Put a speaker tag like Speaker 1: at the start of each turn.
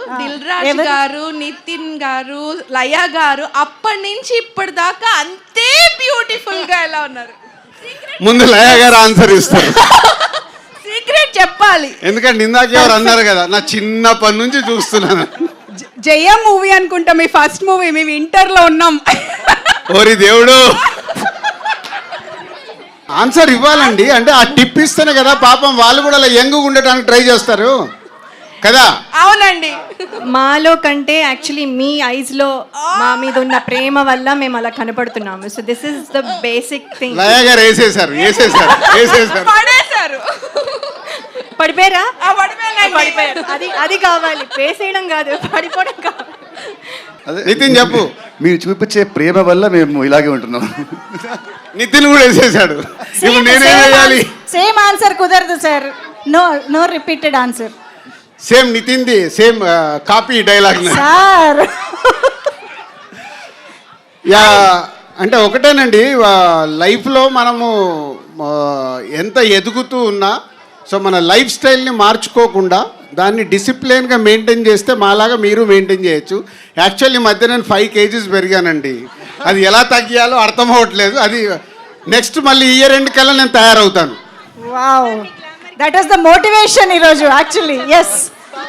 Speaker 1: దిల్ రాజు గారు, నితిన్ గారు, లయ గారు అప్పటి నుంచి ఇప్పటిదాకా అంతే బ్యూటిఫుల్ గా ఎలా ఉన్నారు?
Speaker 2: ముందు లయ గారు ఆన్సర్ ఇస్తారు.
Speaker 1: సీక్రెట్ చెప్పాలి.
Speaker 2: ఎందుకంటే ఇందాక ఎవరు అన్నారు కదా, నా చిన్నప్పటి నుంచి చూస్తున్నాను.
Speaker 1: జయ మూవీ అనుకుంటా మీ ఫస్ట్ మూవీ, మేము ఇంటర్ లో ఉన్నాం.
Speaker 2: ఓరి దేవుడు, ఆన్సర్ ఇవ్వాలండి. అంటే ఆ టిప్ ఇస్తేనే కదా పాపం వాళ్ళు కూడా అలా యంగ్ ఉండటానికి ట్రై చేస్తారు కదా.
Speaker 1: అవునండి.
Speaker 3: మాలో కంటే యాక్చువల్లీ మీ ఐస్ లో మా మీద ఉన్న ప్రేమ వల్ల మేము అలా కనపడుతున్నాము. So this is the basic thing.
Speaker 2: Laya గారు వేసేసారు.
Speaker 1: పడేశారు.
Speaker 3: పడిపోయారా?
Speaker 1: పడిపోయారు.
Speaker 3: అది కావాలి, పేసేయడం కాదు, పడిపోవడం కావాలి.
Speaker 2: నితిన్ చెప్పు.
Speaker 4: మీరు చూపించే ప్రేమ వల్ల మేము ఇలాగే ఉంటున్నాం.
Speaker 2: నితిన్ కూడా వేసేసాడు. ఇప్పుడు నేనేం చేయాలి?
Speaker 5: సేమ్ ఆన్సర్ కుదరదు sir. No repeated answer.
Speaker 2: Same నితిన్ది same copy dialogue
Speaker 5: sir.
Speaker 2: Yeah, అంటే ఒకటేనండి, లైఫ్లో మనము ఎంత ఎదుగుతూ ఉన్నా సో మన లైఫ్ స్టైల్ని మార్చుకోకుండా దాన్ని డిసిప్లిన్గా మెయింటైన్ చేస్తే మాలాగా మీరు మెయింటైన్ చేయొచ్చు. యాక్చువల్లీ మధ్య నేను 5 kgs పెరిగానండి. అది ఎలా తగ్గియాలో అర్థం అవ్వట్లేదు. అది నెక్స్ట్ మళ్ళీ ఇయర్ ఎండ్ కల్లా నేను తయారవుతాను.
Speaker 5: Wow, that was the motivation ఈరోజు యాక్చువల్లీ. ఎస్.